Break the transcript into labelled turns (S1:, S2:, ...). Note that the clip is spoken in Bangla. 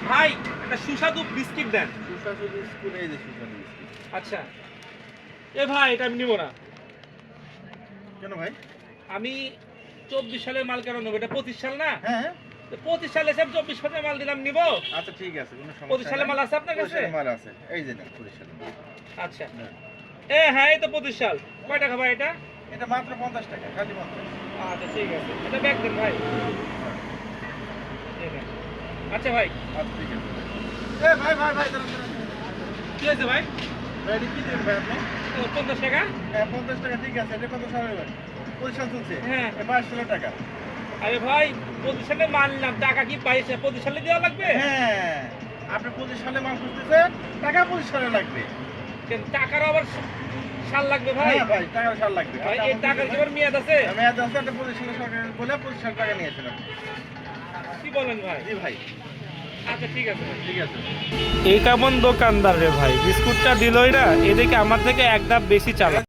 S1: ভাই একটা সুস্বাদু বিস্কিট দেন।
S2: সুস্বাদু বিস্কুট, এই যে সুস্বাদু বিস্কুট।
S1: আচ্ছা এ ভাই এটা আমি নিব না।
S2: কেন ভাই?
S1: আমি 24 সালের মাল কেন নেবো? এটা 25 সাল না?
S2: হ্যাঁ হ্যাঁ।
S1: 25 সালে এসে 24 সালের মাল দিলাম, নিব?
S2: আচ্ছা ঠিক আছে, কোনো সমস্যা
S1: 25 সালের
S2: নাই।
S1: মাল আছে আপনার কাছে?
S2: 25 সালের মাল আছে, এই যে নেন 25 সালের মাল।
S1: আচ্ছা
S2: নেন।
S1: হ্যাঁ এই তো 25 সাল। কয় টাকা ভাই এটা?
S2: এটা মাত্র 50 টাকা, খালি 50।
S1: আচ্ছা ঠিক আছে, এটা ব্যাগ দেন ভাই। এই নেন। আচ্ছা ভাই।
S2: আচ্ছা ঠিক আছে। ভাই ভাই ভাই দাঁড়ান দাঁড়ান।
S1: কি হয়েছে ভাই?
S2: ভাই এটা কি দেবেন ভাই আপনি?
S1: 50 টাকা?
S2: হ্যাঁ 50 টাকা ঠিক আছে, এটা কত সালের ভাই? 25 সাল চলছে।
S1: হ্যাঁ।
S2: 22 সালের টাকা।
S1: আরে ভাই 25 সালে মাল নিলাম, টাকা কি 25 সালে দেওয়া লাগবে?
S2: হ্যাঁ, আপনি 25 সালে মাল খুঁজতেছেন, টাকা 25 সালে লাগবে।
S1: কেন টাকার আবার সাল লাগবে ভাই?
S2: হ্যাঁ ভাই, টাকার সাল লাগবে।
S1: ভাই এই টাকার কি আবার মেয়াদ আছে?
S2: মেয়াদ আছে, আপনি 25 সালে সরকার বলে 25 সাল টাকা নিয়েছেন আপনি।
S1: কি বলেন ভাই?
S2: জি ভাই,
S1: আচ্ছা ঠিক আছে ভাই।
S2: ঠিক আছে।
S1: এই কেমন দোকানদার রে ভাই, বিস্কুটটা দিলই না, এদিকে আমার থেকে এক ধাপ বেশি চালা।